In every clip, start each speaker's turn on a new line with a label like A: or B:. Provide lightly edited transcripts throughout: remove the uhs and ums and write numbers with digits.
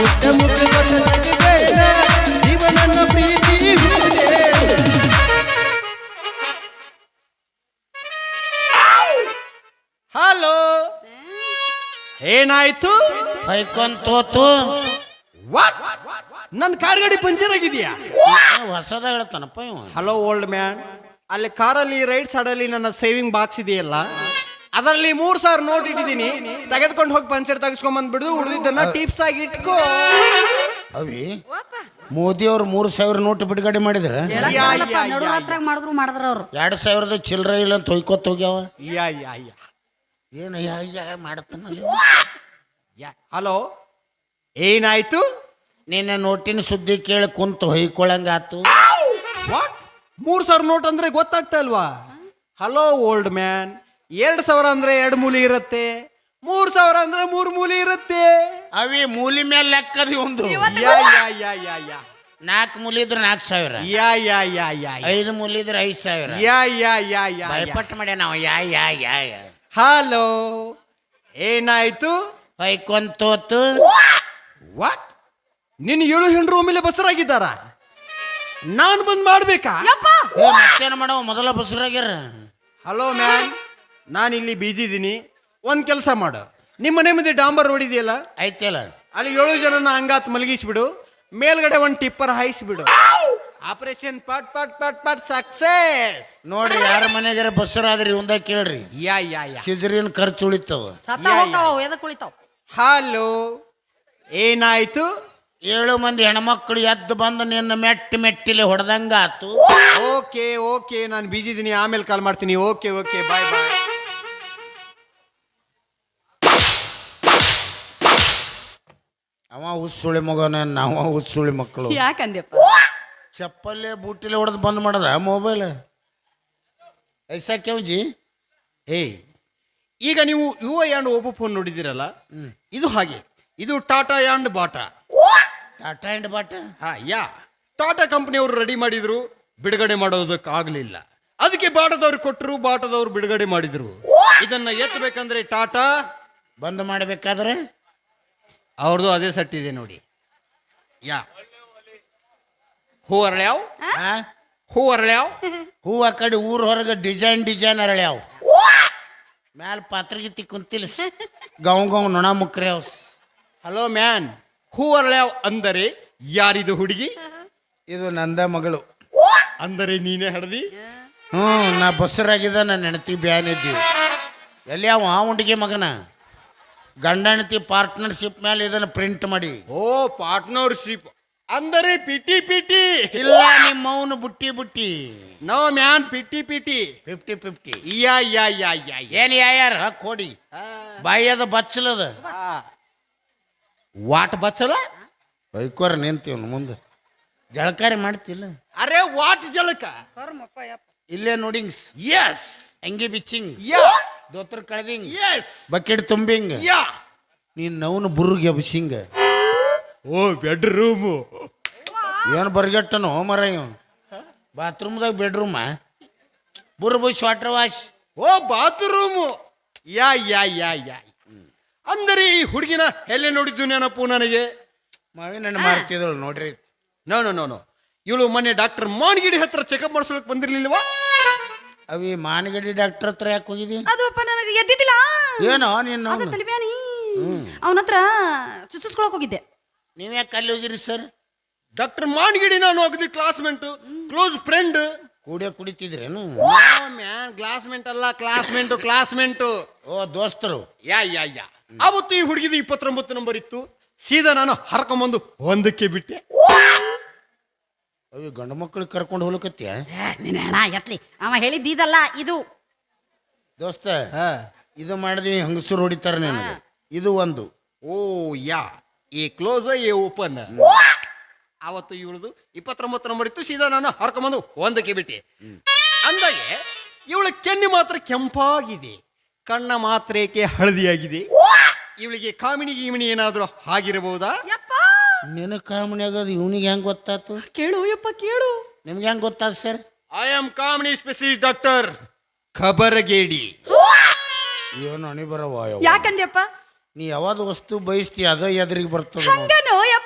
A: ಮುಟ್ಟ ಮುಟ್ಟ ಕೊಟ್ಟ ಜೀವನನ್ನ ಪ್ರೀತಿ ಹಲೋ ಏನಾಯ್ತು
B: ಹೊಯ್ಕೊಂತೋತು
A: ವಾಟ್ ನನ್ನ ಕಾರ್ ಗಾಡಿ ಪಂಚರ್ ಆಗಿದೆಯಾ
B: ಹೊಸದ ಹೇಳ್ತಾನಪ್ಪ ಇವ.
A: ಹಲೋ ಓಲ್ಡ್ ಮ್ಯಾನ್, ಅಲ್ಲಿ ಕಾರಲ್ಲಿ ರೈಟ್ ಸೈಡಲ್ಲಿ ನನ್ನ ಸೇವಿಂಗ್ ಬಾಕ್ಸ್ ಇದೆಯಲ್ಲ, ಅದರಲ್ಲಿ 3,000 ನೋಟ್ ಇಟ್ಟಿದ್ದೀನಿ, ತೆಗೆದುಕೊಂಡು ಹೋಗಿ ಪಂಚರ್ ತೆಗೆಸ್ಕೊಂಡ್ ಬಂದ್ಬಿಡು, ಉಳಿದಿದ್ದನ್ನ ಟಿಪ್ಸ್ ಆಗಿ ಇಟ್ಕೋ.
B: ಅವಿ ಮೋದಿ ಅವ್ರು 3,000 ನೋಟ್ ಬಿಡುಗಡೆ ಮಾಡಿದ್ರ
C: ಮಾಡಿದ್ರ ಅವ್ರು
B: 2,000 ಚಿಲ್ಲರೆ ಇಲ್ಲ ಅಂತ ಹೊಯ್ಕೊತ್ ಹೋಗ್ಯಾವ.
A: ಯಾ ಯಾ ಯಾ
B: ಏನು ಮಾಡತ್ತಾನಲ್ಲಿ.
A: ಹಲೋ ಏನಾಯ್ತು?
B: ನಿನ್ನ ನೋಟಿನ ಸುದ್ದಿ ಕೇಳಿ ಕುಂತು ಹೊಯ್ಕೊಳಂಗಾತು.
A: ವಾಟ್ 3,000 ನೋಟ್ ಅಂದ್ರೆ ಗೊತ್ತಾಗ್ತಾ ಇಲ್ವಾ? ಹಲೋ ಓಲ್ಡ್ ಮ್ಯಾನ್, 2,000 ಅಂದ್ರೆ 2 ಮೂಲಿ ಇರುತ್ತೆ, 3,000 ಅಂದ್ರೆ 3 ಮೂಲಿ ಇರುತ್ತೆ.
B: ಅವಿ ಮೂಲಿ ಮೇಲೆ ಲೆಕ್ಕದಿ ಒಂದು.
A: ಯಾ ಯಾ ಯಾ ಯಾ ಯಾ
B: 4 ಮೂಲಿ ಇದ್ರೆ 4,000,
A: ಯಾ ಯಾ ಯಾ ಯಾ
B: 5 ಮೂಲಿ ಇದ್ರೆ 5,000.
A: ಯಾ ಯಾ ಯಾ ಯಾ
B: ಭಯಪಟ್ಟು ಮಾಡ್ಯ ನಾವು. ಯಾ
A: ಹಲೋ ಏನಾಯ್ತು?
B: ಹೊಯ್ಕೊಂತೋತು.
A: ವಾಟ್ ನಿನ್ನ 7 ಹೆಣ್ಣು ಒಮ್ಮೆಲೆ ಬಸರಾಗಿದ್ದಾರ, ನಾನು ಬಂದ್ ಮಾಡ್ಬೇಕಾ?
B: ಮತ್ತೇನು ಮಾಡವ, ಮೊದಲ ಬಸರಾಗ್ಯಾರ.
A: ಹಲೋ ಮ್ಯಾನ್, ನಾನು ಇಲ್ಲಿ ಬಿಜಿ ಇದ್ದೀನಿ, ಒಂದ್ ಕೆಲಸ ಮಾಡು, ನಿಮ್ಮ ಮನೆ ಮುಂದೆ ಡಾಂಬರ್ ರೋಡ್ ಇದೆಯಲ್ಲ,
B: ಐತಲ್ಲ
A: ಅಲ್ಲಿ 7 ಜನನ ಹಂಗಾತ್ ಮಲಗಿಸ್ಬಿಡು, ಮೇಲ್ಗಡೆ ಒಂದು ಟಿಪ್ಪರ್ ಹಾಯಿಸ್ಬಿಡು, ಆಪರೇಷನ್ ಪಟ್ ಪಟ್ ಪಟ್ ಪಟ್ ಸಕ್ಸೆಸ್.
B: ನೋಡ್ರಿ, ಯಾರ ಮನೆಗಾರ ಬಸರಾದ್ರಿ ಇವಂದ ಕೇಳ್ರಿ,
A: ಯಾ ಯಾ ಯಾ
B: ಸಿಜರಿನ್ ಖರ್ಚು ಉಳಿತಾವ.
C: ಎದಕ್ ಉಳಿತಾವ?
A: ಹಲೋ ಏನಾಯ್ತು?
B: 7 ಮಂದಿ ಹೆಣ್ಮಕ್ಳು ಎದ್ದು ಬಂದು ನಿನ್ನ ಮೆಟ್ಟಿಲೆ ಹೊಡೆದಂಗ ಆತು.
A: ಓಕೆ ಓಕೆ, ನಾನು ಬಿಜಿ ಇದ್ದೀನಿ, ಆಮೇಲೆ ಕಾಲ್ ಮಾಡ್ತೀನಿ. Okay okay, bye bye.
B: ಅವ ಹುಸ್ಸುಳಿ ಮಗನ, ನಾವ ಹುಸ್ಸುಳಿ ಮಕ್ಕಳು.
C: ಯಾಕಂದ್ಯಪ್ಪ?
B: ಚಪ್ಪಲ್ಲೇ ಬೂಟಿಲೆ ಹೊಡೆದು ಬಂದ್ ಮಾಡದ ಮೊಬೈಲ್. ಐಸಾ ಕೆವ್ಜಿ
A: ಏಯ್, ಈಗ ನೀವು ಯುವ ಯಾಂಡ್ ಓಪೋ ಫೋನ್ ನೋಡಿದಿರಲ್ಲ, ಇದು ಹಾಗೆ, ಇದು Tata and Bata.
B: Tata and Bata.
A: Yeah Tata ಕಂಪನಿಯವರು ರೆಡಿ ಮಾಡಿದ್ರು, ಬಿಡುಗಡೆ ಮಾಡೋದಕ್ಕೆ ಆಗ್ಲಿಲ್ಲ, ಅದಕ್ಕೆ ಬಾಟದವ್ರು ಕೊಟ್ಟರು, ಬಾಟದವ್ರು ಬಿಡುಗಡೆ ಮಾಡಿದ್ರು. ಇದನ್ನ ಎತ್ತಬೇಕಂದ್ರೆ ಟಾಟಾ
B: ಬಂದ್ ಮಾಡಬೇಕಾದ್ರೆ
A: ಅವ್ರದ್ದು ಅದೇ ಸೆಟ್ ಇದೆ ನೋಡಿ. ಯಾ ಹೂ ಅರಳ್ಯಾವ್, ಹೂ ಅರಳ್ಯಾವ್,
B: ಹೂ ಆ ಕಡೆ ಊರ್ ಹೊರಗೆ ಡಿಸೈನ್ ಅರಳ್ಯಾವ, ಮ್ಯಾಲ ಪಾತ್ರಗಿತ್ತಿ ಕುಂತಿಲ್ ಗಾವ್ ನೊಣ ಮುಕ್ರ್ಯಾವ.
A: ಹಲೋ ಮ್ಯಾನ್, ಹೂ ಅರಳ್ಯಾವ್ ಅಂದರೆ ಯಾರಿದು ಹುಡುಗಿ?
B: ಇದು ನಂದ ಮಗಳು.
A: ಅಂದರೆ ನೀನೇ ಹಡ್ದಿ?
B: ನಾ ಬಸ್ಸರಾಗಿದ್ದ, ನನ್ನ ಹೆಂಡತಿ ಬ್ಯಾನ್ ಇದ್ದೀವಿ. ಎಲ್ಲಿ ಅವ ಹುಡುಗಿ ಮಗನ ಗಂಡ ಹೆಂಡತಿ ಪಾರ್ಟ್ನರ್ಶಿಪ್ ಮೇಲೆ ಇದನ್ನು ಪ್ರಿಂಟ್ ಮಾಡಿ.
A: ಓ ಪಾರ್ಟ್ನರ್ಶಿಪ್ ಅಂದರೆ ಪಿಟಿ ಪಿಟಿ?
B: ಇಲ್ಲ, ನಿಮ್ಮ ಅವನು ಬುಟ್ಟಿ.
A: ನೋ ಮ್ಯಾನ್, ಪಿಟಿ ಪಿಟಿ
B: 50-50.
A: ಯಾ ಯಾ ಯಾ ಯಾ
B: ಏನ್ ಯಾರ ಕೋಡಿ ಬಾಯದ ಬಚ್ಚಲದ
A: ವಾಟ್ ಬಚ್ಚಲ
B: ಬೈಕೋರ ನಿಂತೀವನು ಮುಂದೆ ಜಳಕಾರಿ ಮಾಡ್ತಿಲ್ಲ.
A: ಅರೆ ವಾಟ್ ಜಲಕ?
B: ಇಲ್ಲೇ ನೋಡಿಂಗ್ಸ್.
A: ಎಸ್.
B: ಅಂಗಿ ಬಿಚ್ಚಿಂಗ್,
A: ಯಾ
B: ದೋತ್ರ ಕಳೆದಿಂಗ್,
A: ಎಸ್.
B: ಬಕೆಟ್ ತುಂಬಿಂಗ್,
A: ಯಾ
B: ನೀನ್ ನವನು ಬುರ್ಗೆ ಎಬ್ಸಿಂಗ್.
A: ಓ ಬೆಡ್ರೂಮು
B: ಏನು ಬರ್ಗೆಟ್ಟನು ಮರ ಇವ್ ಬಾತ್ರೂಮ್ದಾಗ ಬೆಡ್ರೂಮ ಬುರ್ bush water wash.
A: Oh bathroom. Yeah yeah yeah yeah ಅಂದರೆ ಈ ಹುಡುಗಿನ ಎಲ್ಲೇ ನೋಡಿದ್ದು ನೆನಪು ನನಗೆ.
B: ಮಾವಿನ ಮಾಡ್ತಿದ್ರು ನೋಡ್ರಿ.
A: ನೋ ನೋ ನೋ ನೋ, ಇವಳು ಮೊನ್ನೆ ಡಾಕ್ಟರ್ ಮಾನ್ಗಿಡಿ ಹತ್ರ ಚೆಕಪ್ ಮಾಡಿಸ್ಲಿಕ್ಕೆ ಬಂದಿರ್ಲಿಲ್ವಾ?
B: ಅವಿ ಮಾನಗಡಿ ಡಾಕ್ಟರ್ ಹತ್ರ ಯಾಕೆ ಹೋಗಿದಿ?
C: ಅದು ಅಪ್ಪ ನನಗೆ ಎದ್ದಿದ್ದಿಲ್ಲ.
B: ಏನೋ ನೀನು
C: ತಲಿಬ್ಯಾನಿ, ಅವನ ಹತ್ರ ಚುಚ್ಚಿಸ್ಕೊಳಕ್ ಹೋಗಿದ್ದೆ.
B: ನೀವ್ ಯಾಕೆ ಅಲ್ಲಿ ಹೋಗಿರಿ ಸರ್?
A: ಡಾಕ್ಟರ್ ಮಾನ್ಗಿಡಿ ನಾನು ಅಗದಿ ಕ್ಲಾಸ್ಮೇಟ್, ಕ್ಲೋಸ್ ಫ್ರೆಂಡ್.
B: ಕುಡಿತಿದ್ರೇನು?
A: ಮ್ಯಾನ್ ಕ್ಲಾಸ್ಮೇಟ್ ಅಲ್ಲ, ಕ್ಲಾಸ್ಮೇಟು.
B: ಓ ದೋಸ್ತರು.
A: ಯಾ ಯಾ ಯಾ ಅವತ್ತು ಈ ಹುಡುಗಿದು 29 ನಂಬರ್ ಇತ್ತು, ಸೀದಾ ನಾನು ಹರ್ಕೊಂಬಂದು 1ಕ್ಕೆ ಬಿಟ್ಟೆ.
B: ಅವಿ ಗಂಡು ಮಕ್ಕಳಿಗೆ ಕರ್ಕೊಂಡು ಹೋಗ್ಲಕತ್ಯ?
C: ನೀನ್ ಹಣ ಎತ್ಲಿ, ಅವ ಹೇಳಿದ್ದೀದಲ್ಲ ಇದು.
B: ದೋಸ್ತ ಇದು ಮಾಡಿದ್ವಿ, ಹಂಗಸರು ಹೊಡಿತಾರ ನನಗೆ. ಇದು ಒಂದು.
A: ಓ ಯಾ, ಈ ಕ್ಲೋಸ್ ಎ ಓಪನ್. ಅವತ್ತು ಇವಳದು 29 ನಂಬರ್ ಇತ್ತು, ಸೀದಾ ನಾನು ಹರ್ಕೊಂಬಂದು 1ಕ್ಕೆ ಬಿಟ್ಟೆ. ಅಂದಾಗೆ ಇವಳ ಕೆನ್ನೆ ಮಾತ್ರ ಕೆಂಪಾಗಿದೆ, ಕಣ್ಣ ಮಾತ್ರ ಏಕೆ ಹಳದಿಯಾಗಿದೆ. ಇವಳಿಗೆ ಕಾಮಿನಿ ಗೀಮಿನಿ ಏನಾದ್ರೂ ಆಗಿರಬಹುದಾ?
B: ನಿನ್ನ ಕಾಮಣಿ ಆಗೋದು ಇವನಿಗೆ ಹೆಂಗ್ ಗೊತ್ತಾತು?
C: ಕೇಳು ಯಪ್ಪ ಕೇಳು.
B: ನಿಮ್ಗೆ ಹೆಂಗ್ ಗೊತ್ತಾದ ಸರ್?
A: ಐ ಆಮ್ ಕಾಮಿನಿ ಸ್ಪೆಷಲಿಸ್ಟ್ ಡಾಕ್ಟರ್ ಖಬರಗೇಡಿ.
B: ಏನು ಅಣಿ ಬರವ?
C: ಯಾಕಂದ್ಯಪ್ಪ?
B: ನೀ ಯಾವ್ದು ವಸ್ತು ಬಯಸ್ತಿ ಅದ ಎದುರಿಗೆ ಬರ್ತದ.
C: ಹಂಗನೋ ಯಪ್ಪ.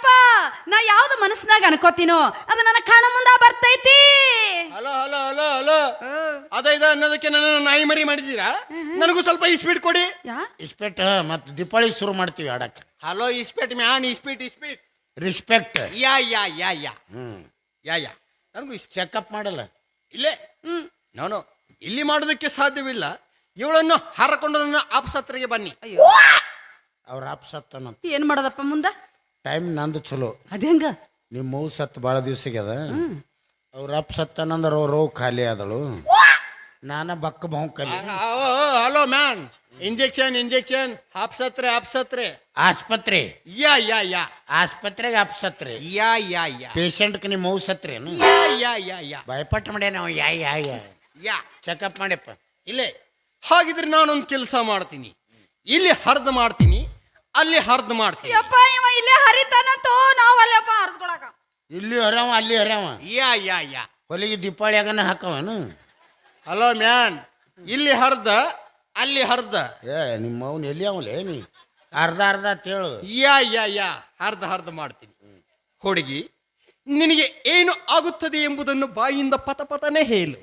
C: ನಾ ಯಾವ್ದು ಮನಸ್ಸಿನಾಗ ಅನ್ಕೋತೀನೋ ಅದು ನನ್ನ ಕಣ್ಣ ಮುಂದ ಬರ್ತೈತಿ.
A: ಹಲೋ ಹಲೋ ಹಲೋ ಹಲೋ ಅದ ಇದ ಅನ್ನೋದಕ್ಕೆ ನನ್ನ ನಾಯಿ ಮರಿ ಮಾಡಿದ್ದೀರಾ? ನನಗೂ ಸ್ವಲ್ಪ ಇಸ್ಪೀಟ್ ಕೊಡಿ.
C: ಯಾ
B: ಇಸ್ಪೆಕ್ಟ್ ಮತ್ತು ದೀಪಾವಳಿ ಶುರು ಮಾಡ್ತೀವಿ ಆಡಕ್ಕೆ.
A: ಹಲೋ ಇಸ್ಪೀಟ್ ಮ್ಯಾನ್, ಇಸ್ಪೀಟ್ ಇಸ್ಪೀಟ್.
B: Respect.
A: Yeah yeah yeah yeah
B: hmm
A: yeah ನನಗೂ
B: ಚೆಕಪ್ ಮಾಡಲ್ಲ.
A: ಇಲ್ಲೇ ನಾನು ಇಲ್ಲಿ ಮಾಡೋದಕ್ಕೆ ಸಾಧ್ಯವಿಲ್ಲ. ಇವಳನ್ನು ಹಾರಕೊಂಡು ನನ್ನ ಆಪ್ಸತ್ರೆಗೆ ಬನ್ನಿ.
C: ಅಯ್ಯೋ
B: ಅವ್ರ ಆಪ್ ಸತ್ತನ.
C: ಏನ್ ಮಾಡೋದಪ್ಪ ಮುಂದ?
B: ಟೈಮ್ ನಂದು ಚಲೋ.
C: ಅದೇಂಗ?
B: ನಿಮ್ಮ ಮೌ ಸತ್ತು ಭಾಳ ದಿವ್ಸಕ್ಕೆ ಅದ. ಅವ್ರ ಅಪ್ ಸತ್ತನಂದ್ರೆ ಅವ್ರ ರೋಗ ಖಾಲಿ ಆದಳು. ನಾನ ಬಕ್ಕ ಬಹು ಖಾಲಿ.
A: ಹಲೋ ಮ್ಯಾನ್, ಇಂಜೆಕ್ಷನ್ ಇಂಜೆಕ್ಷನ್, ಆಪ್ಸತ್ರೆ ಆಪ್ಸತ್ರೆ.
B: ಆಸ್ಪತ್ರೆ.
A: ಯಾ ಯಾ ಯಾ
B: ಆಸ್ಪತ್ರೆಗೆ ಆಪ್ಸತ್ರೆ.
A: ಯಾ ಯಾ ಯಾ
B: ಪೇಷಂಟ್ಗೆ ನಿಮ್ಮ ಮೌ ಸತ್ರೇನು?
A: ಯಾ ಯಾ ಯಾ ಯಾ
B: ಭಯಪಟ್ಟು ಮಾಡ್ಯ ನಾವು. Yeah yeah yeah
A: yeah
B: checkup ಮಾಡ್ಯಪ್ಪ.
A: ಇಲ್ಲೇ. ಹಾಗಿದ್ರೆ ನಾನೊಂದು ಕೆಲಸ ಮಾಡ್ತೀನಿ. ಇಲ್ಲಿ ಹರ್ದ್ ಮಾಡ್ತೀನಿ, ಅಲ್ಲಿ ಹರ್ದ್ ಮಾಡ್ತೀನಿ.
C: ಯಪ್ಪ ಇವ ಇಲ್ಲೇ ಹರಿತಾನಂತೋ, ನಾವ್ ಅಲ್ಲಪ್ಪ ಹರಿಸ್ಕೊಳಕ.
B: ಇಲ್ಲಿ ಹರ್ಯಾವ ಅಲ್ಲಿ ಹರ್ಯಾವ.
A: ಯಾ ಯಾ ಯಾ
B: ಹೊಲಿಗೆ ದೀಪಾವಳಿಯಾಗನ ಹಾಕವನು.
A: ಹಲೋ ಮ್ಯಾನ್, ಇಲ್ಲಿ ಹರ್ದ ಅಲ್ಲಿ ಹರ್ದ.
B: ಏ ನಿಮ್ಮ ಅವ್ನು ಎಲ್ಲಿ ಅವಲೇ ನೀ ಅರ್ಧ ಅರ್ಧ ಅಂತೇಳು.
A: ಯಾ ಯಾ ಯಾ ಹರ್ದ ಮಾಡ್ತೀನಿ. ಹುಡುಗಿ, ನಿನಗೆ ಏನು ಆಗುತ್ತದೆ ಎಂಬುದನ್ನು ಬಾಯಿಂದ ಪತನೇ ಹೇಳು.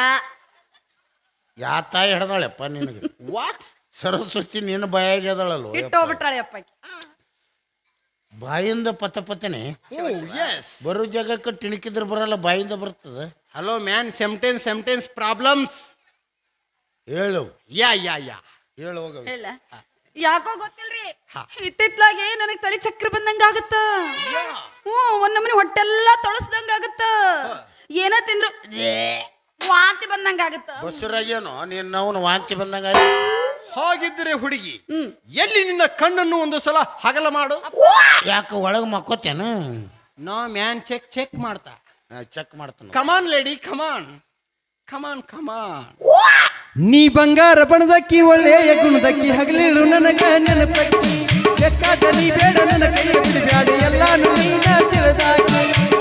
B: ಯಾ ತಾಯಿ ಹಿಡ್ದಾಳೆಪ್ಪ ನಿನಗೆ?
A: ವಾಟ್?
B: ಸರಸ್ವತಿ ನಿನ್ನ ಬಾಯಾಗಿ ಅದಳಲ್ವ?
C: ಇಟ್ಟು ಹೋಗ್ಬಿಟ್ರಾಳೆ ಅಪ್ಪ ಆಕಿ.
B: ಬಾಯಿಂದ ಪತನೆ
A: ಎಸ್.
B: ಬರೋ ಜಾಗಕ್ಕೆ ತಿಣಕಿದ್ರೆ ಬರಲ್ಲ, ಬಾಯಿಂದ ಬರ್ತದ.
A: Hello man, sentence problems.
B: ಹೇಳು.
A: ಯಾ ಯಾ ಯಾ
B: ಹೇಳು ಹೋಗ.
C: ಇಲ್ಲ ಯಾಕೋ ಗೊತ್ತಿಲ್ರಿ,
A: ಹಾ.
C: ಇತ್ತಿತ್ಲಾಗೆ ನನಗ್ ತಲೆ ಚಕ್ರ ಬಂದಂಗ ಆಗತ್ತ. ಒಂದ್ ನಮನಿ ಹೊಟ್ಟೆಲ್ಲ ತೊಳಸ್ದಂಗ ಆಗತ್ತ. ಏನ ತಿಂದ್ರು ವಾಂತಿ ಬಂದಂಗ ಆಗತ್ತ.
B: ಬಸ್ಸರಾಗೇನೋ ನೀನು ಅವನು ವಾಂತಿ ಬಂದಂಗ.
A: ಹಾಗಿದ್ದರೆ ಹುಡುಗಿ, ಎಲ್ಲಿ ನಿನ್ನ ಕಣ್ಣನ್ನು ಒಂದು ಸಲ ಹಗಲ ಮಾಡು.
B: ಯಾಕೆ ಒಳಗೆ ಮಕ್ಕೋತೇನು?
A: ನೋ ಮ್ಯಾನ್, ಚೆಕ್ ಮಾಡ್ತಾ.
B: ಚೆಕ್ ಮಾಡ್ತಾನ.
A: Come on lady, come on come on come on. ನೀ ಬಂಗಾರ ಬಣದಕ್ಕಿ, ಒಳ್ಳೆಯ ಗುಣದಕ್ಕಿ, ಹಗಲಿಳು ನನಗ ನೆನಪಕ್ಕಿ. ಬೇಕಾದ ನೀ ಬೇಡ ನನ್ನ ಕೈ ಬಿಡಬ್ಯಾಡ, ಎಲ್ಲಾನು ನೀನ ತಿಳಿದಾಕಿ.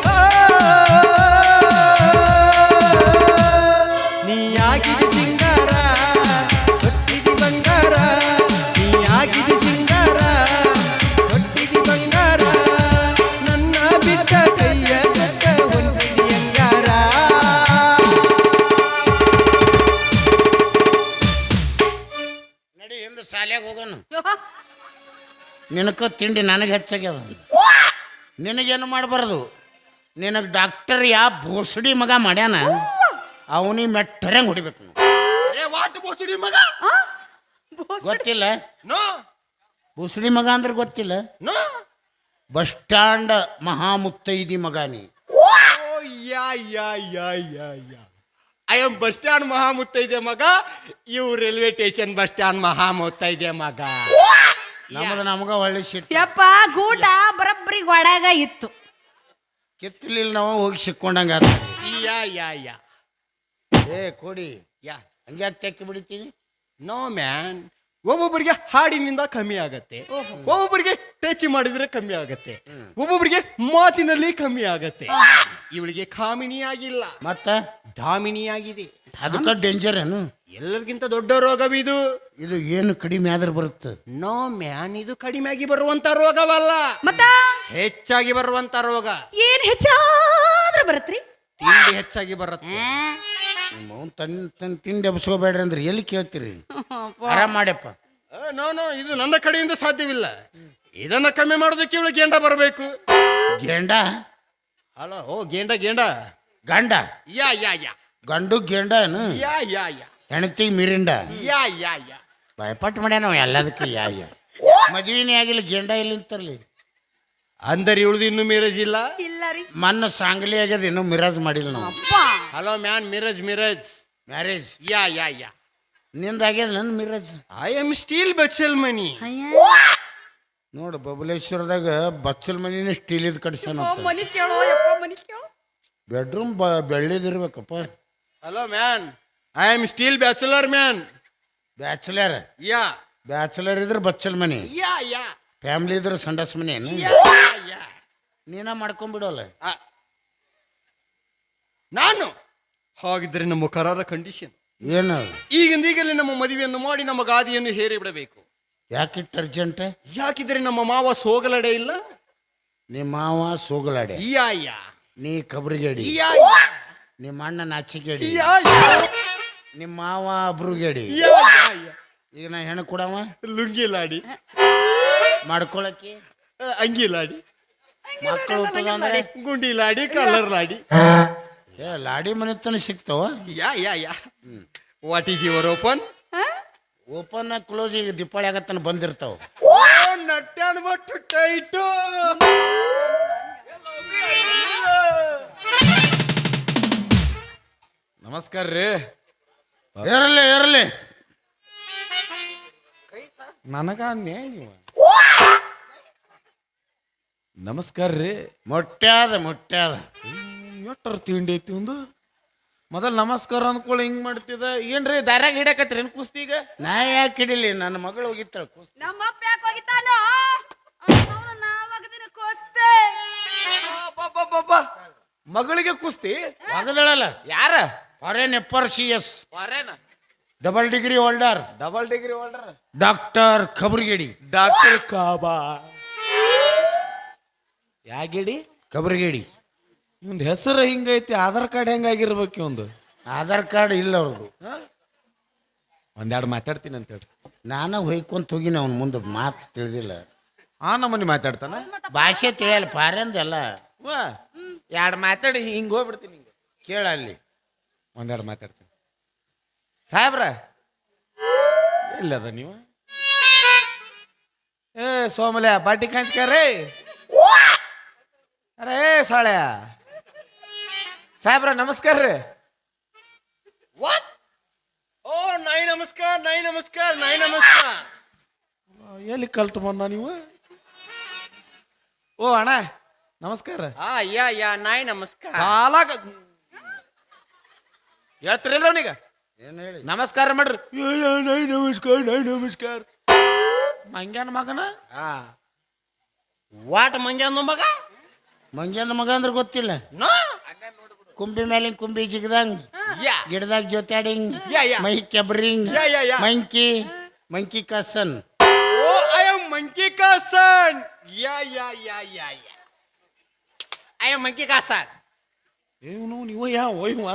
A: ನೀ ಆಗಿದಿ ಸಿಂಗಾರ, ಹೊಟ್ಟಿದಿ ಬಂಗಾರ. ನೀ ಆಗಿದಿ ಸಿಂಗಾರ, ಹೊಟ್ಟಿದಿ ಬಂಗಾರ. ನನ್ನ ಬಿಟ್ಟ ಕೈಯ ಕಟ್ಟ ಹೊಂಟಿದಿ ಅಂಗಾರ.
B: ನಡಿ ಹಿಂದೆ ಶಾಲ್ಯಾಗ ಹೋಗೋನು. ನಿನಕ ತಿಂಡಿ ನನಗೆ ಹೆಚ್ಚಾಗ್ಯದ. ನಿನಗೇನು ಮಾಡಬಾರ್ದು. ನಿನಗೆ ಡಾಕ್ಟರ್ ಯಾ ಬೋಸಡಿ ಮಗ ಮಾಡ್ಯಾನ, ಅವನಿಗೆ ಮೆಟ್ಟರಂಗೆ ಹೊಡಿಬೇಕು ನಾವು.
A: ವಾಟ್ ಬೋಸಡಿ ಮಗ?
B: ಗೊತ್ತಿಲ್ಲ?
A: ನೋ
B: ಬೋಸಡಿ ಮಗ ಅಂದ್ರೆ ಗೊತ್ತಿಲ್ಲ?
A: ನೋ.
B: ಬಸ್ ಸ್ಟ್ಯಾಂಡ್ ಮಹಾಮುತ್ತೈದಿ ಮಗ ನೀ.
A: Yeah yeah yeah yeah yeah I am bus stand ಮಹಾಮುತ್ತೈದೆ ಮಗ. ಇವು ರೈಲ್ವೆ ಸ್ಟೇಷನ್ ಬಸ್ ಸ್ಟ್ಯಾಂಡ್ ಮಹಾಮುತ್ತೈದೆ ಮಗ.
B: ನಮಗ ಒಳ್ಳೆ ಸಿಟ್ಟು.
C: ಯಪ್ಪ ಗೂಟ ಬರಬ್ಬರಿ ಒಳಗ ಇತ್ತು.
B: ಕಿತ್ತಲಿಲ್ಲ ನಾವು ಹೋಗಿ ಸಿಕ್ಕೊಂಡಂಗ.
A: ಯಾ ಯಾ ಯಾ
B: ಏ ಕೊಡಿ.
A: ಯಾ
B: ಹಂಗ್ಯಾಕೆ ತೆಕ್ಕಿ ಬಿಡ್ತೀನಿ?
A: ನೋ ಮ್ಯಾನ್, ಒಬ್ಬೊಬ್ಬರಿಗೆ ಹಾಡಿನಿಂದ ಕಮ್ಮಿ ಆಗತ್ತೆ, ಒಬ್ಬೊಬ್ಬರಿಗೆ ಟಚ್ ಮಾಡಿದ್ರೆ ಕಮ್ಮಿ ಆಗತ್ತೆ, ಒಬ್ಬೊಬ್ಬರಿಗೆ ಮಾತಿನಲ್ಲಿ ಕಮ್ಮಿ ಆಗತ್ತೆ. ಇವಳಿಗೆ ಕಾಮಿನಿ ಆಗಿಲ್ಲ,
B: ಮತ್ತ
A: ಧಾಮಿನಿ ಆಗಿದೆ.
B: ಅದಕ್ಕೆ ಡೇಂಜರ್ ಏನು?
A: ಎಲ್ಲರಿಗಿಂತ ದೊಡ್ಡ ರೋಗವಿದು.
B: ಇದು ಏನು ಕಡಿಮೆ ಆದ್ರೆ ಬರುತ್ತೆ?
A: ನೋ ಮ್ಯಾನ್, ಇದು ಕಡಿಮೆಯಾಗಿ ಬರುವಂತ ರೋಗವಲ್ಲ,
C: ಮತ್ತ
A: ಹೆಚ್ಚಾಗಿ ಬರುವಂತ ರೋಗ.
C: ಏನ್ ಹೆಚ್ಚಾದ್ರ ಬರತ್ರಿ?
A: ತಿಂಡಿ ಹೆಚ್ಚಾಗಿ ಬರುತ್ತೆ.
B: ತನ್ನ ತಿಂಡಿ ಎಬ್ಸ್ಕೋಬೇಡ್ರಿ ಅಂದ್ರೆ ಎಲ್ಲಿ ಕೇಳ್ತೀರಿ? ಆರಾಮ್ ಮಾಡ್ಯಪ್ಪ.
A: ನೋ ನೋ, ಇದು ನನ್ನ ಕಡೆಯಿಂದ ಸಾಧ್ಯವಿಲ್ಲ. ಇದನ್ನ ಕಮ್ಮಿ ಮಾಡೋದಕ್ಕೆ ಇವಳು ಗೇಂಡ ಬರಬೇಕು.
B: ಗೇಂಡ?
A: ಹಲೋ, ಓ ಗೇಂಡ
B: ಗಂಡ?
A: ಯಾ ಯಾ ಯಾ
B: ಗಂಡು ಗೇಂಡ ಏನು?
A: ಯಾ ಯಾ ಯಾ
B: ಹೆಣ್ತಿ ಮಿರಿಂಡ?
A: ಯಾ ಯಾ ಯಾ
B: ಭಯಪಟ್ಟು ಮಾಡ್ಯ ನಾವು ಎಲ್ಲದಕ್ಕೆ. ಯಾ ಯಾ ಮದುವೆನೇ ಆಗಿಲ್ಲ, ಗೇಂಡ ಇಲ್ಲಿಂತರ್ಲಿ.
A: ಅಂದರೆ ಇವಳ್ದು ಇನ್ನೂ ಮಿರಜ್ ಇಲ್ಲ.
C: ಇಲ್ಲ ರೀ
B: ಮನ್ನ ಸಾಂಗ್ಲಿ ಆಗ್ಯದ, ಇನ್ನೂ ಮಿರಾಜ್ ಮಾಡಿಲ್ಲ ನಾವು.
C: ಅಪ್ಪ.
A: ಹಲೋ ಮ್ಯಾನ್, ಮಿರಜ್
B: ಮ್ಯಾರೇಜ್
A: ಯಾ ಯಾ ಯಾ
B: ನಿಂದ ಆಗ್ಯದ ನನ್ನ ಮಿರಾಜ್.
A: ಐ ಆಮ್ ಸ್ಟೀಲ್ ಬಚ್ಚಲ್ ಮನಿ.
B: ನೋಡು ಬಬಲೇಶ್ವರದಾಗ ಬಚ್ಚಲ್ ಮನಿನ ಸ್ಟೀಲ್ ಇದ್ ಕಟ್ಸ್ಯಾನ.
C: ಮನಿ ಕೇಳೋ ಯಪ್ಪ, ಮನಿ ಕೇಳೋ.
B: ಬೆಡ್ರೂಮ್ ಬೆಳ್ಳಿದಿರ್ಬೇಕಪ್ಪ.
A: Hello man, I am still bachelor man.
B: Bachelor?
A: Yeah
B: bachelor ಇದ್ರೆ ಬಚ್ಚಲ್ ಮನಿ,
A: ಯಾ ಯಾ
B: ಫ್ಯಾಮಿಲಿ ಇದ್ರೆ ಸಂಡಸ್ ಮನಿ ಏನು?
A: ಯಾ ಯಾ
B: ನೀನ ಮಾಡ್ಕೊಂಡ್ಬಿಡೋಲ್ಲ.
A: ನಾನು ಹಾಗಿದ್ರೆ ನಮ್ಮ ಕರಾರ ಕಂಡೀಷನ್
B: ಏನು?
A: ಈಗಲೇ ನಮ್ಮ ಮದುವೆಯನ್ನು ಮಾಡಿ ನಮ್ಮ ಗಾದಿಯನ್ನು ಹೇರಿ ಬಿಡಬೇಕು.
B: ಯಾಕಿಟ್ಟು ಅರ್ಜೆಂಟ್?
A: ಯಾಕಿದ್ರೆ ನಮ್ಮ ಮಾವ ಸೋಗಲಡೆ ಇಲ್ಲ.
B: ನಿಮ್ಮ ಮಾವ ಸೋಗಲಾಡೆ,
A: ಯಾ ಯಾ
B: ನೀ ಕಬ್ರಿಗೇಡಿ,
A: ಯಾ
B: ನಿಮ್ಮ ಅಣ್ಣ ನಾಚಿಗೇಡಿ,
A: ಯಾ ಯಾ
B: ನಿಮ್ಮ ಮಾವ ಅಬ್ರುಗೇಡಿ.
A: ಯಾ ಯಾ ಯಾ
B: ಈಗ ನಾ ಹೆಣ್ಣು ಕೊಡವ
A: ಲುಂಗಿ ಲಾಡಿ
B: ಮಾಡ್ಕೊಳಕ್ಕೆ
A: ಅಂಗಿ ಲಾಡಿ
B: ಮಕ್ಕಳು ಹುಟ್ಟದ ಅಂದ್ರೆ
A: ಗುಂಡಿ ಲಾಡಿ ಕಲರ್ ಲಾಡಿ
B: ಏ ಲಾಡಿ ಮನೆ ತನ ಸಿಗ್ತಾವ.
A: Yeah yeah yeah what is your open
B: open close ಈಗ ದೀಪಾವಳಿ ಆಗತ್ತನ ಬಂದಿರ್ತಾವ.
A: ಓ ನಟ್ಟಾನ್ ಬಟ್ಟು ಟೈಟು
D: ನಮಸ್ಕಾರ ರೀ.
B: ಇರಲಿ ಇರಲಿ,
D: ನನಗ ನೀವು ನಮಸ್ಕಾರ ರೀ.
B: ಮೊಟ್ಟ್ಯಾದ ಮೊಟ್ಟ್ಯಾದ
D: ಎಟ್ಟರ ತಿಂಡಿ ಐತಿ ಒಂದು ಮೊದಲು ನಮಸ್ಕಾರ ಅಂದ್ಕೊಳ್ಳಿ ಹಿಂಗ್ ಮಾಡ್ತಿದ. ಏನ್ರಿ ದಾರ್ಯಾಗ ಹಿಡಕತ್ರಿ ಏನ್ ಕುಸ್ತಿ ಈಗ?
B: ನಾ ಯಾಕೆ ಹಿಡಿಲಿ, ನನ್ನ ಮಗಳು ಹೋಗಿತ್ತಾಳ ಕುಸ್ತಿ.
C: ನಮ್ಮಪ್ಪ ಯಾಕೆ ಹೋಗಿದ್ದಾನೋ ನಾವಾಗದಿನ ಕೋಸ್ತೆ
D: ಮಗಳಿಗೆ ಕುಸ್ತಿ
B: ಒಗದಳಲ್ಲ
D: ಯಾರ?
B: ಫಾರೆನ್ FRCS
D: ವಾರೇನ
B: double degree holder
D: double degree holder
B: doctor ಖಬರ್ಗೇಡಿ.
D: ಡಾಕ್ಟರ್ ಕಾಬಾ ಯಾಗಿಡಿ
B: ಖಬರ್ಗೇಡಿ
D: ಇವಂದ್ ಹೆಸರು ಹಿಂಗೈತಿ, ಆಧಾರ್ ಕಾರ್ಡ್ ಹೆಂಗಾಗಿರ್ಬೇಕು ಇವಂದು?
B: ಆಧಾರ್ ಕಾರ್ಡ್ ಇಲ್ಲ ಅವ್ರದ್ದು.
D: ಒಂದೆರಡು ಮಾತಾಡ್ತೀನಿ ಅಂತ ಹೇಳ್ರಿ.
B: ನಾನು ಹೊಯ್ಕೊಂತ ಹೋಗಿನ ಅವ್ನ ಮುಂದೆ ಮಾತು ತಿಳಿದಿಲ್ಲ,
D: ಆ ನಮ್ಮನಿ ಮಾತಾಡ್ತಾನ.
B: ಭಾಷೆ ತಿಳಿಯಲ್ಲ ಫಾರೆನ್ದೆಲ್ಲ.
D: ಎರಡು ಮಾತಾಡಿ ಹಿಂಗೆ ಹೋಗ್ಬಿಡ್ತೀನಿ. ಹಿಂಗೆ
B: ಕೇಳ ಅಲ್ಲಿ
D: ಒಂದೆರಡು ಮಾತಾಡ್ತೀನಿ. ಸಾಹೇಬ್ರ ಎಲ್ಲದ ನೀವು? ಏ ಸೋಮಲ್ಯ ಬಾಟಿ ಕಾಂಚ್ಕಾರೇ ಅರೇ ಸಾಳ್ಯ ಸಾಹೇಬ್ರ ನಮಸ್ಕಾರ ರೀ.
A: ವಾಟ್ ಓ ನೈ ನಮಸ್ಕಾರ ನೈ ನಮಸ್ಕಾರ ನೈ ನಮಸ್ಕಾರ
D: ಎಲ್ಲಿ ಕಲ್ತು ಬಂದ ನೀವು? ಓ ಅಣ್ಣ ನಮಸ್ಕಾರ.
A: ಯಾ ಯಾ ನೈ ನಮಸ್ಕಾರ
D: ಕಾಲಾಗ ಹೇಳ್ತಿರಲ್ಲ ಅವನಿಗ
B: ಏನು ಹೇಳಿ
D: ನಮಸ್ಕಾರ ಮಾಡ್ರಿ. ನೈ ನಮಸ್ಕಾರ ನೈ ನಮಸ್ಕಾರ ಮಂಗ್ಯಾನ ಮಗನ
A: ವಾಟ್ ಮಂಗ್ಯಾನ ಮಗ
B: ಮಂಗ್ಯನ ಮಗ ಅಂದ್ರೆ ಗೊತ್ತಿಲ್ಲ.
A: ನೋ
B: ಕುಂಬಿ ಮೇಲಿನ ಕುಂಬಿ ಜಿಗದಂಗ್,
A: ಯಾ
B: ಗಿಡದಾಗ ಜೊತಾಡಿಂಗ್,
A: Yeah, yeah.
B: ಮೈ ಕೆಬ್ರಿಂಗ್,
A: Yeah.
B: Monkey monkey cousin.
A: Oh I am monkey cousin yeah yeah yeah yeah yeah I am monkey cousin
D: ಇವನು ನೀವು ಯಾವ ಇವ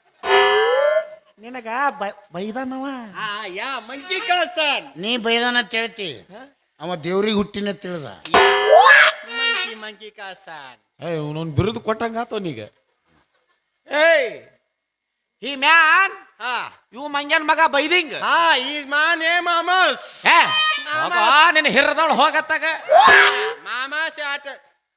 D: ನಿನಗ ಬೈದಾನವ.
A: ಯಾ ಮಂಕಿ ಕಾಸನ್
B: ನೀ ಬೈದಾನ ತಿಳ್ತಿ, ಅವ ದೇವ್ರಿಗೆ ಹುಟ್ಟಿನ ತಿಳಿದ.
A: ಮಂಕಿ ಮಂಕಿ ಕಾಸನ್
D: ಇವನು ಬಿರುದು ಕೊಟ್ಟಂಗ ಆತವನೀಗ. ಏಯ್ ಈ ಮ್ಯಾನ್ ಇವು ಮಂಗ್ಯಾನ ಮಗ ಬೈದಿಂಗ್.
A: ಈಸ್ ಮೈ ನೇಮ್ ಮಾಮಸ್
D: ನಿನ್ನ ಹಿರದವಳು ಹೋಗತ್ತಾಗ
A: ಮಾಮಸ್ ಆಟ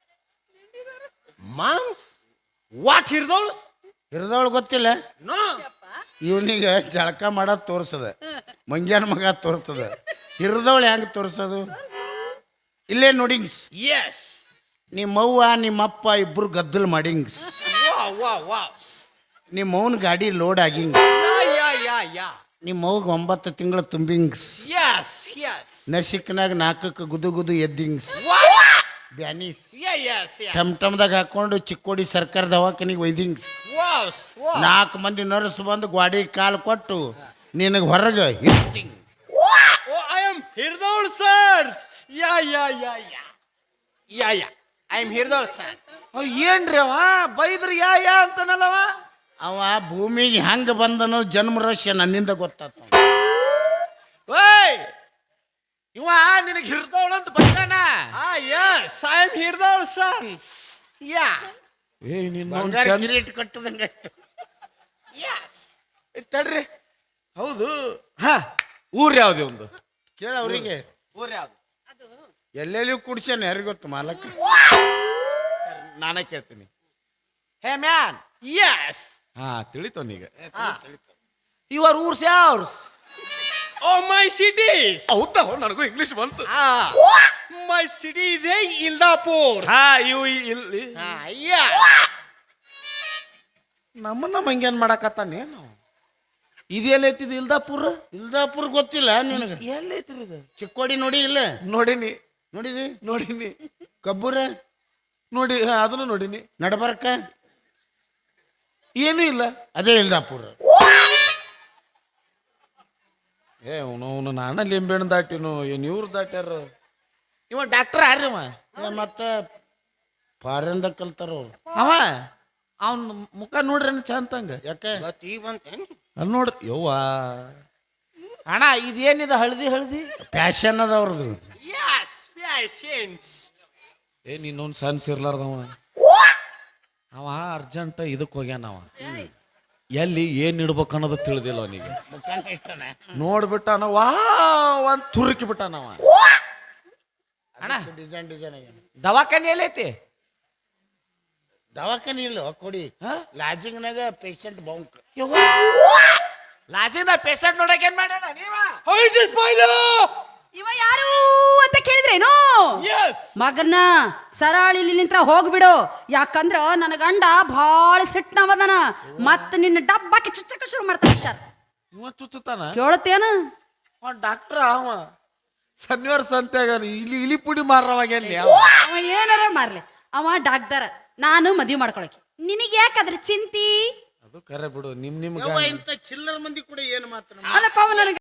A: ಮಾಮ್ಸ್ ವಾಟ್ ಹಿರ್ದೋಳು
B: ಹಿರಿದವಳು ಗೊತ್ತಿಲ್ಲ.
A: ನೋ
B: ಇವನಿಗ ಜಳಕ ಮಾಡೋದು ತೋರ್ಸದ, ಮಂಗ್ಯನ ಮಗ ತೋರ್ಸದ. ಹಿರಿದವಳು ಹೆಂಗ್ ತೋರ್ಸೋದು? ಇಲ್ಲೇ ನೋಡಿಂಗ್ಸ್.
A: ಎಸ್
B: ನಿಮ್ಮವ್ವ ನಿಮ್ಮಪ್ಪ ಇಬ್ರು ಗದ್ದಲ್ ಮಾಡಿಂಗ್ಸ್.
A: ವಾ
B: ನಿಮ್ಮವನ್ ಗಾಡಿ ಲೋಡ್ ಆಗಿಂಗ್.
A: ಯಾ
B: ನಿಮ್ಮವ್ಗ 9 ತಿಂಗಳು ತುಂಬಿಂಗ್ಸ್.
A: ಯಸ್ ಯಸ್
B: ನಸಿಕ್ನಾಗ 4ಕ್ಕೆ ಗುದು ಗುದು ಎದ್ದಿಂಗ್ಸ್. ಬ್ಯಾನೀಸ್
A: ಯಸ್
B: ಟಮ್ ಟಮ್ದಾಗ ಹಾಕೊಂಡು ಚಿಕ್ಕೋಡಿ ಸರ್ಕಾರ ದವಾಖಾನಿಗೆ ಒಯ್ದಿಂಗ್ಸ್. 4 ಮಂದಿ ನರ್ಸ್ ಬಂದು ಗ್ವಾಡಿ ಕಾಲು ಕೊಟ್ಟು ನಿನಗೆ ಹೊರಗೆ ಹಿಟ್ಟಿಂಗ್.
A: ಐ ಆಮ್ ಹಿರ್ದೋಳ್ ಸರ್ ಯಾ ಐ ಆಮ್ ಹಿರ್ದೋಳ್ ಸರ್
D: ಏನ್ರಿ ಅವ ಬೈದ್ರಿ ಯಾ ಅಂತನಲ್ಲವ.
B: ಅವ ಭೂಮಿಗೆ ಹೆಂಗ ಬಂದನೋ ಜನ್ಮ ರಹಸ್ಯ ನನ್ನಿಂದ ಗೊತ್ತಾತ.
D: ಓಯ್ ಇವ ನಿನಗೆ ಹಿರ್ದವಳಂತ ಬೈದಾನ.
A: ಯಸ್ ಐ ಆಮ್ ಹಿರ್ದೋಳ್ ಸನ್ಸ್ ಯಾ
B: ಕಿರೀಟ್ ಕಟ್ಟದಂಗ
A: ಯಸ್
D: ತಡ್ರಿ. ಹೌದು ಹಾ ಊರ್ ಯಾವ್ದು ಒಂದು
B: ಕೇಳ ಅವ್ರಿಗೆ.
D: ಊರ್ ಯಾವ್ದು
B: ಎಲ್ಲೆಲ್ಲಿ ಕುಡ್ಸ್ಯಾನ ಯಾರಿಗೆ ಗೊತ್ತು ಮಾಲಕ್ಕ.
D: ನಾನೇ ಕೇಳ್ತೀನಿ. ಹೇ ಮ್ಯಾನ್
A: ಯಸ್
D: ಹಾ ತಿಳಿತವನೀಗ. ಯುವರ್ ಊರ್ಸ್ ಯಾವ್ಸ್?
A: ಓ ಮೈ ಸಿಟೀಸ್
D: ಹೌದಾ ನನಗೂ ಇಂಗ್ಲಿಷ್ ಬಂತು.
A: My city is a Ildapur
D: ಹಾ ಇವು ಇಲ್ಲಿ ನಮ್ಮನ್ನ ಮಂಗ್ಯಾನ್ ಮಾಡಕತ್ತಾನೇನು? ಇದು ಎಲ್ಲೈತಿದ್ ಇಲ್ದಾಪುರ?
B: ಇಲ್ದಾಪುರ ಗೊತ್ತಿಲ್ಲ ನಿನಗೆ?
D: ಎಲ್ಲೈತ್ರಿ ಇದು?
B: ಚಿಕ್ಕೋಡಿ ನೋಡಿ ಇಲ್ಲ?
D: ನೋಡಿನಿ
B: ನೋಡಿದಿ ಕಬ್ಬೂರ
D: ನೋಡಿ ಅದನ್ನು ನೋಡಿನಿ.
B: ನಡಬರ್ಕ
D: ಏನೂ ಇಲ್ಲ.
B: ಅದೇ ಇಲ್ದಾಪುರ.
D: ಅವನು ನಾನ ಲಿಂಬೆಹಣ್ಣು ದಾಟಿನು ಏನ್ ಇವ್ರು ದಾಟ್ಯಾರ. ಇವ ಡಾಕ್ಟರ್ ಯಾರಿವ?
B: ಮತ್ತ ಫಾರಿನ್ದ ಕಲ್ತಾರ ಅವ್ರು.
D: ಅವ ಅವನ್ ಮುಖ ನೋಡ್ರಿ ಚಂತಂಗ
B: ಯಾಕೆ
D: ಅಲ್ಲಿ ನೋಡ್ರಿ ಯವ್ವ ಅಣ್ಣ ಇದೇನಿದೆ ಹಳದಿ ಹಳದಿ
B: ಪ್ಯಾಶನ್ ಅದ ಅವ್ರದ್ದು.
D: ಏ ನೀನೊಂದು ಸನ್ಸ್ ಇರ್ಲಾರ್ದವ ಅವ ಅರ್ಜೆಂಟ್ ಇದಕ್ಕೆ ಹೋಗ್ಯಾನ ಅವ ಎಲ್ಲಿ ಏನ್ ಇಡ್ಬೇಕು ಅನ್ನೋದು ತಿಳಿದಿಲ್ಲ ಅವನಿಗೆ ನೋಡ್ಬಿಟ್ಟಾನ ವಾ ಒಂದ್ ತುರುಕಿ ಬಿಟ್ಟಾನವ ಅಣ್ಣ
B: ಡಿಸೈನ್ ಆಗ್ಯಾನ.
D: ದವಾಖಾನೆ ಎಲ್ಲೈತಿ
B: ದವಾಖಾನೆ ಇಲ್ಲ ಕೊಡಿ
D: ಹಾ?
B: ಲಾಜಿಂಗ್ನಾಗ ಪೇಷಂಟ್ ಬೌಂಕ್.
D: ಲಾಸಿಂದ ಪೇಷಂಟ್ ನೋಡಕ್ ಏನ್ ಮಾಡ್ಯಾನ ನೀವ
C: ಇವ ಯಾರು ಅಂತ ಕೇಳಿದ್ರೇನು ಮಗನ ಸರಾಳಿ ಇಲ್ಲಿ ನಿಂತ್ರ ಹೋಗ್ಬಿಡು, ಯಾಕಂದ್ರ ನನ್ನ ಗಂಡ ಭಾಳ ಸಿಟ್ನವದನ ಮತ್ತ ನಿನ್ನ ಡಬ್ಬಾಕಿ ಚುಚ್ಚಕ ಶುರು ಮಾಡ್ತಾನೆ. ಹುಷಾರ್
D: ಇವ ಚುಚ್ಚುತ್ತಾನ
C: ಕೇಳತ್ತೇನ?
D: ಅವ ಡಾಕ್ಟ್ರ ಅವ ಶನಿವಾರ ಸಂತ್ಯಾಗ ಇಲಿ ಪುಡಿ ಮಾರವಾಗ ಎಲ್ಲಿ
C: ಅವ ಏನಾರ ಮಾರ್ಲಿ, ಅವ ಡಾಕ್ಟರ್, ನಾನು ಮದುವೆ ಮಾಡ್ಕೊಳಕ್ಕೆ. ನಿನಗೆ ಯಾಕದ್ರ ಚಿಂತಿ?
D: ಅದು ಕರೆ ಬಿಡು ನಿಮ್
B: ಇಂಥ ಚಿಲ್ಲರ್ ಮಂದಿ ಕೂಡ ಏನು ಮಾತ್ರ
C: ಅಲ್ಲಪ್ಪ ಅವ ನನಗೆ